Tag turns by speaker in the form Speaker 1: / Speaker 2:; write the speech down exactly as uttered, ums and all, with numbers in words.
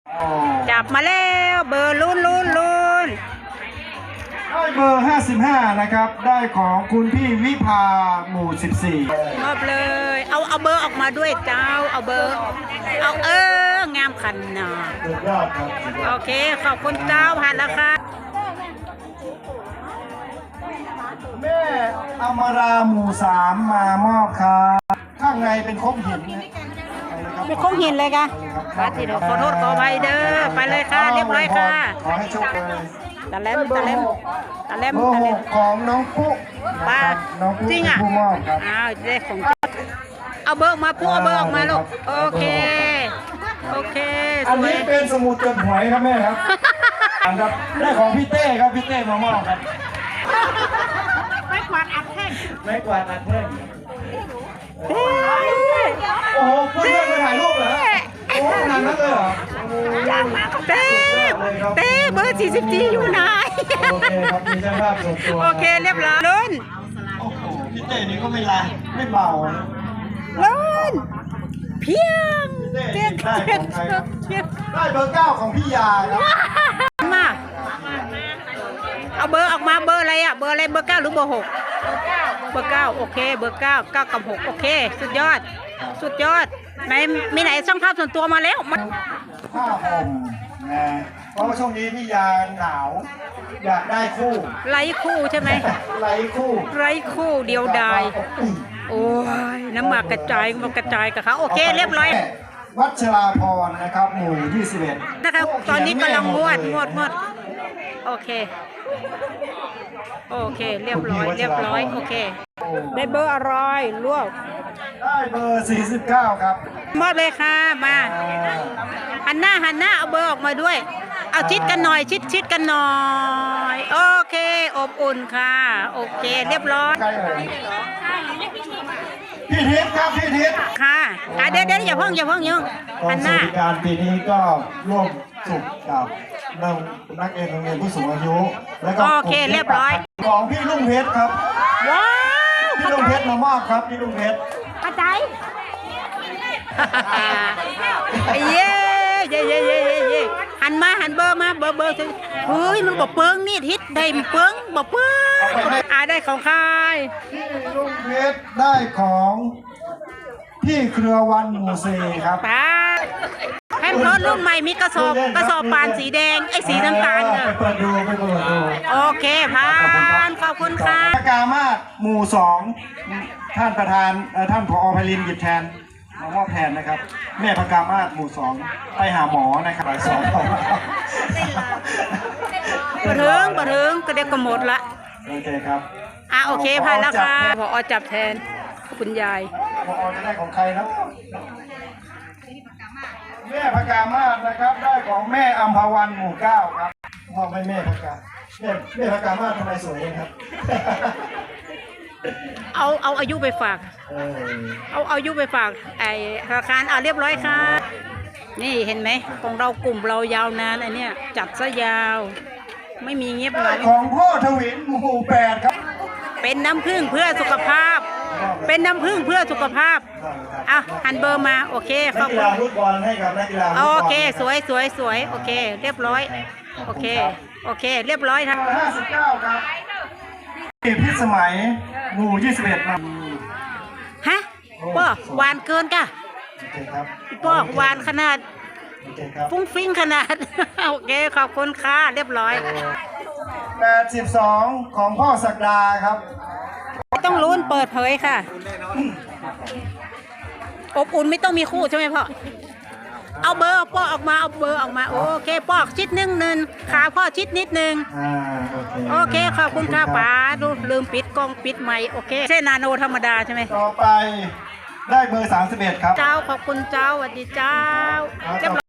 Speaker 1: จับมาแล้วเบอร์ลุ้นลุ้นลุ้น
Speaker 2: ได้เบอร์ห้าสิบห้านะครับได้ของคุณพี่วิภาหมู่สิบสี่
Speaker 1: มอบเลยเอาเอาเบอร์ออกมาด้วยเจ้าเอาเบอร์เอาเอองามขันหนาโอเคขอบคุณเจ้าผ่านแล้วค่ะ
Speaker 2: แม่อมราหมู่สามมามอบครับข้างในเป็นคบหิน
Speaker 1: เป็นคงหินเลยค่ะมาทีเดียวขอโทษขออภัยเด้อไปเลยค่ะเรียบร้อยค่ะ
Speaker 2: ขอให้โชคดี
Speaker 1: ตะเล็มตะเล็มตะเล็มตะเล็ม
Speaker 2: ของน้องปุ๊
Speaker 1: ป้าจริงอ่ะอ้าวเด็กของเอาเบอร์มาปุ๊เอาเบอร์ออกมาลูกโอเคโอเค
Speaker 2: อันนี้เป็นสมุดจดหวยครับแม่ครับครับได้ของพี่เต้ครับพี่เต้มามอบครับ
Speaker 1: ไม่กวาดอัดแท่ง
Speaker 2: ไม่กวาดอัดแท่งโอ้โหเพื่อนไปถ่ายรูปเหรอโอ้ขนาดนั้นเลยเหรอ
Speaker 1: เต้เต้เบอร์สี่สิบจีอยู่ไหน
Speaker 2: โอเคครับมีช่างภาพส่วนตัว
Speaker 1: โอเคเรียบร้อยลุ้น
Speaker 2: โอ้โหพี่เต้นี่ก็ไม่ลาไม่เบา
Speaker 1: ลุ้นเพียง
Speaker 2: เต้ได้ของใครครับได้เบอร์เก้าของพี่ยาครับ
Speaker 1: มาเอาเบอร์ออกมาเบอร์อะไรอ่ะเบอร์อะไรเบอร์เก้าหรือเบอร์หกเบอร์เก้าโอเคเบอร์เก้าเก้ากับหกโอเคสุดยอดสุดยอดไหนมีไหนช่างภาพส่วนตัวมาแล้ว
Speaker 2: ผ้าห่มนะเพราะว่าช่วงนี้พี่ยาหนาวอยากได้คู่
Speaker 1: ไร้คู่ใช่ไหม
Speaker 2: ไร้คู่
Speaker 1: ไร้คู่เดียวดายโอ้ยน้ำหมากกระจายมันกระจายกับเขาโอเคเรียบร้อย
Speaker 2: วัชราพรนะครับหมู่ยี่สิบเอ็ด
Speaker 1: นะครับตอนนี้กำลังงวดงวดงวดโอเคโอเคเรียบร้อยเรียบร้อยโอเคได้เบอร์อะไรลวก
Speaker 2: ได้เบอร์สี่สิบเก้าครับ
Speaker 1: มอบเลยค่ะมาหันหน้าหันหน้าเอาเบอร์ออกมาด้วยเอาชิดกันหน่อยชิดชิดกันหน่อยโอเคอบอุ่นค่ะโอเคเรียบร้อย
Speaker 2: พี่ทิพย์ครับพี่ทิพย์
Speaker 1: ค่ะเดี๋ยวเดี๋ยวอย่าเพิ่งอย่าเพิ่งยังหันหน้า
Speaker 2: การปีนี้ก็ร่วมสุขกับนักนักเรียนโรงเรียนผู้สูงอายุแล้วก็
Speaker 1: โอเคเรียบร้อย
Speaker 2: ของพี่ลุงเพชรครับ
Speaker 1: ว้าว
Speaker 2: พี่ลุงเพชรมามอบครับพี่ลุงเพชร
Speaker 1: กระจายเย้เย้เย้เย้เย้หันมาหันเบอร์มาเบอร์เบอร์เฮ้ยมันบอกเปิ้งนี่ทิศได้เปิ้งบอกเปิ้งอ่าได้ของใคร
Speaker 2: พี่ลุงเพชรได้ของพี่เครือวันหมู่สี่ครับ
Speaker 1: ป้าแฮมรถรุ่นใหม่มีกระสอบกระสอบปานสีแดงไอ้สีน้ำตาลเนอะ
Speaker 2: ไปเปิดดูไปเปิดดู
Speaker 1: โอเคผ่านขอบคุณค่ะ
Speaker 2: กามาศหมู่สองท่านประธานท่านผอ.ไพลินหยิบแทนมามอบแทนนะครับแม่พกามาศหมู่สองไปหาหมอนะครับไปสอง
Speaker 1: ปะเทิงปะเทิงก็เด็กก็หมดละ
Speaker 2: โอเคครับ
Speaker 1: อ่ะโอเคผ่านแล้วค่ะผอ.จับแทนคุณยาย
Speaker 2: ผอ.จะได้ของใครครับแม่พกามาศนะครับได้ของแม่อัมพวันหมู่เก้าครับมอบให้แม่พกาแม่แม่พกามาศทำไมสวยเลยครับ
Speaker 1: เอาเอาอายุไปฝากเอาเอาอายุไปฝากไอ้ธนาคารเอาเรียบร้อยค่ะนี่เห็นไหมของเรากลุ่มเรายาวนานไอ้นี่จัดซะยาวไม่มีเงียบเหงา
Speaker 2: ของพ่อทวินหมู่แปดครับ
Speaker 1: เป็นน้ำผึ้งเพื่อสุขภาพเป็นน้ำผึ้งเพื่อสุขภาพอ่ะหันเบอร์มาโอเคขอบคุณ
Speaker 2: นักกีฬาฟุตบอลให้กับนักกีฬา
Speaker 1: โอเคสวยสวยสวยโอเคเรียบร้อยโอเคโอเคเรียบร้อยครับ
Speaker 2: ห้าสิบเก้าครับพิสมัยหมู่ยี่สิบเอ็ดครับ
Speaker 1: ฮะป้อหวานเกินก่ะป้อหวานขนาดฟุ้งฟิ้งขนาดโอเคขอบคุณค่ะเรียบร้อย
Speaker 2: แปดสิบสองของพ่อศักดาครับ
Speaker 1: ต้องลุ้นเปิดเผยค่ะอบอุ่นไม่ต้องมีคู่ใช่ไหมพ่อเอาเบอร์ป้อออกมาเอาเบอร์ออกมาโอเคป้อชิดนึงนึงขาพ่อชิดนิดนึงโอเคขอบคุณค่ะป๋าดูลืมปิดกล้องปิดไมค์โอเคใช่นาโนธรรมดาใช่ไหม
Speaker 2: ต่อไปได้เบอร์สามสิบเอ็ดครับ
Speaker 1: เจ้าขอบคุณเจ้าสวัสดีเจ้า